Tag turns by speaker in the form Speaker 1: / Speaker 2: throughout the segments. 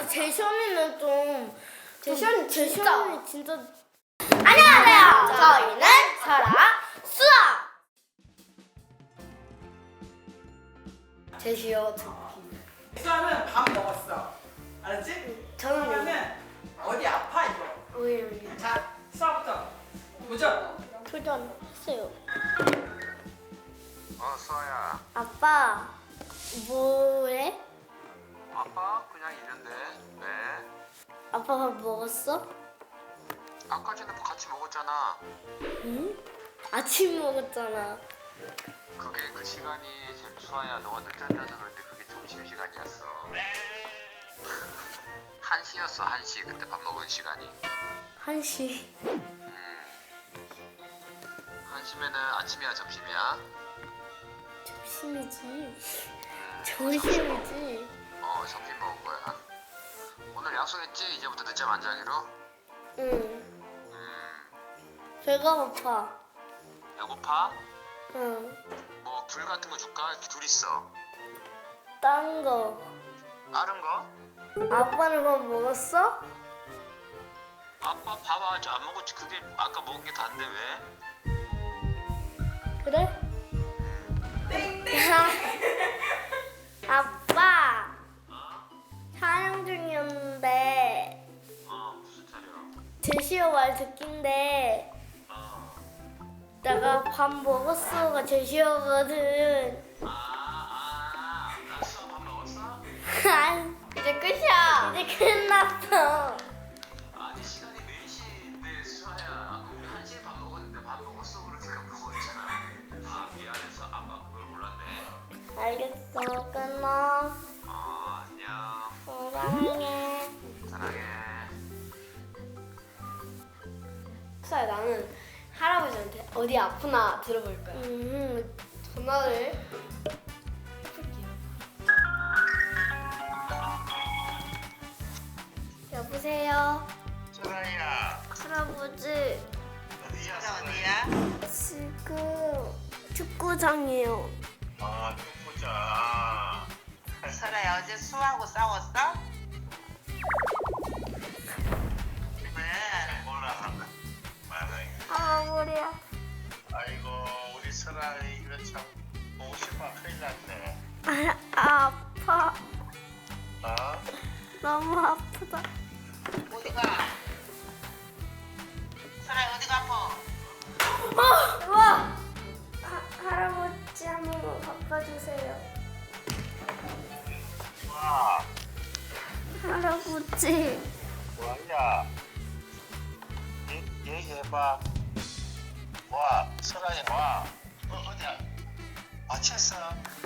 Speaker 1: 근데 제시언니는 좀 제시언니 진짜 안녕하세요. 저희는 설아 수아. 제시어
Speaker 2: 수아는 밥 먹었어. 알았지?
Speaker 1: 저는
Speaker 2: 그러면은 어디 아파 이거.
Speaker 1: 오일
Speaker 2: 자, 수아부터 도전.
Speaker 1: 도전했어요.
Speaker 3: 수아야.
Speaker 1: 아빠 뭐해?
Speaker 3: 아빠 그냥 있는데. 왜?
Speaker 1: 아빠 밥 먹었어?
Speaker 3: 아까 전에 같이 먹었잖아.
Speaker 1: 응? 아침 먹었잖아.
Speaker 3: 그게 그 시간이 수아야 너가 늦잠자서 그런데 그게 점심 시간이었어. 1시였어 1시 그때 밥 먹은 시간이.
Speaker 1: 1시.
Speaker 3: 1시면은 아침이야 점심이야?
Speaker 1: 점심이지. 점심이지.
Speaker 3: 점심 먹은 거야. 오늘 약속했지? 이제부터 늦잠 안 자기로?
Speaker 1: 응. 배가 고파.
Speaker 3: 배고파?
Speaker 1: 응.
Speaker 3: 뭐 귤 같은 거 줄까? 이렇게 둘 있어.
Speaker 1: 딴 거.
Speaker 3: 다른 거?
Speaker 1: 아빠는 밥 먹었어?
Speaker 3: 아빠 밥 아직 안 먹었지. 그게 아까 먹은 게 다인데 왜?
Speaker 1: 그래? 아빠 촬영 중이었는데
Speaker 3: 무슨 촬영?
Speaker 1: 제시어 말 듣긴데 내가 밥 먹었어가 제시어거든.
Speaker 3: 나 수아 밥 먹었어?
Speaker 1: 이제 끝이야. 이제 끝났어.
Speaker 3: 아니 시간이 4시인데 수아야 우리 1시에 밥 먹었는데 밥 먹었어 그러니까 먹었잖아. 미안해서 아빠 그걸 몰랐네.
Speaker 1: 알겠어. 끊어.
Speaker 3: 안녕.
Speaker 1: 사랑해.
Speaker 3: 사랑해.
Speaker 4: 수아야 나는 할아버지한테 어디 아프나 들어볼 거야. 전화를 해볼게요.
Speaker 1: 여보세요.
Speaker 3: 수아야
Speaker 1: 할아버지
Speaker 3: 어디야?
Speaker 1: 지금 축구장이에요.
Speaker 3: 축구장.
Speaker 5: 설아야 어제 수아하고 싸웠어? 왜?
Speaker 3: 몰라. 말해.
Speaker 1: 머리야.
Speaker 3: 아이고 우리 설아 이거 참 보고 싶어 큰일 났네.
Speaker 1: 아파. 너무 아프다.
Speaker 5: 어디가? 설아야 어디가 아파?
Speaker 1: 와! 할아버지 한 번만 바꿔주세요.
Speaker 3: 와
Speaker 1: 할아버지.
Speaker 3: 뭐하냐? 얘기해봐. 와 설아야 와. 어디야? 다쳤어?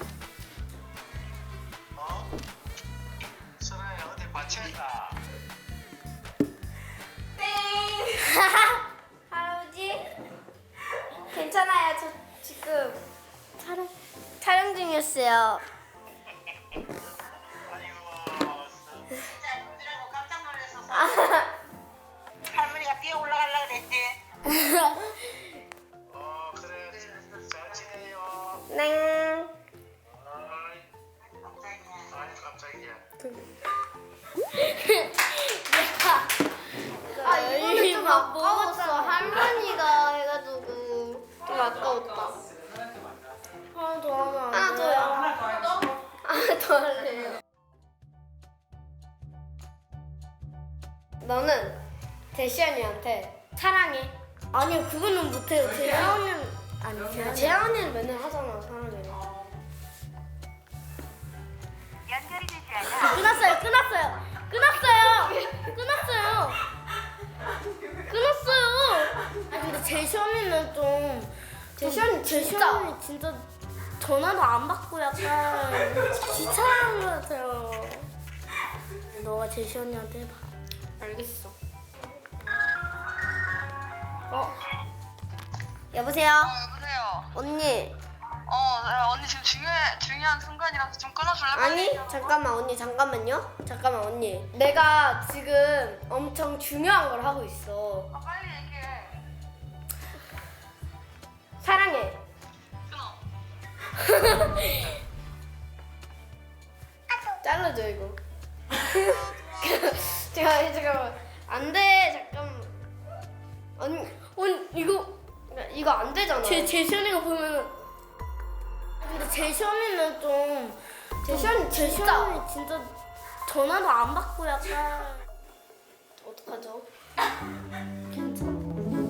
Speaker 3: 설아야 어디 다쳤나?
Speaker 1: 할아버지? 괜찮아요. 저 지금 촬영 중이었어요.
Speaker 3: 아이고
Speaker 5: 진짜 눈이라고 깜짝 놀라서 할머니가 뛰어 올라가려고 그랬지?
Speaker 3: 그래 잘 지내요.
Speaker 1: 네.
Speaker 3: 깜짝이야.
Speaker 4: 이거는 좀 아까웠어. 할머니가 해가지고 좀 아까웠다.
Speaker 1: 하나 더 하면 안
Speaker 4: 하나
Speaker 1: 돼요?
Speaker 4: 더요.
Speaker 2: 하나 더 하겠어.
Speaker 4: 하나 더 할래요. 너는 대시언니한테 사랑해.
Speaker 1: 아니요, 그거는 못해요. 재현이는 아니,
Speaker 4: 재현이는 맨날 하잖아 사랑해.
Speaker 5: 연결이 되지 않아.
Speaker 1: 끊었어요. 아니 근데 제시언니는 좀
Speaker 4: 제시언니
Speaker 1: 제시언니 진짜 전화도 안 받고 약간 귀찮은 것 같아요. 너가 제시언니한테 해봐.
Speaker 4: 알겠어.
Speaker 1: 여보세요?
Speaker 5: 여보세요.
Speaker 1: 언니.
Speaker 5: 언니 지금 중요한 순간이라서 좀 끊어줄래?
Speaker 4: 아니 잠깐만 언니 잠깐만 언니. 내가 지금 엄청 중요한 걸 하고 있어.
Speaker 5: 빨리 얘기해.
Speaker 4: 사랑해.
Speaker 5: 끊어.
Speaker 4: 잘라줘 이거. 잠깐만. 안 돼. 잠깐만. 언니 이거 안 되잖아.
Speaker 1: 제시언이가 보면은. 근데 제시언이는 좀. 제시언이 진짜 전화도 안 받고 약간.
Speaker 4: 어떡하죠?
Speaker 1: 괜찮아.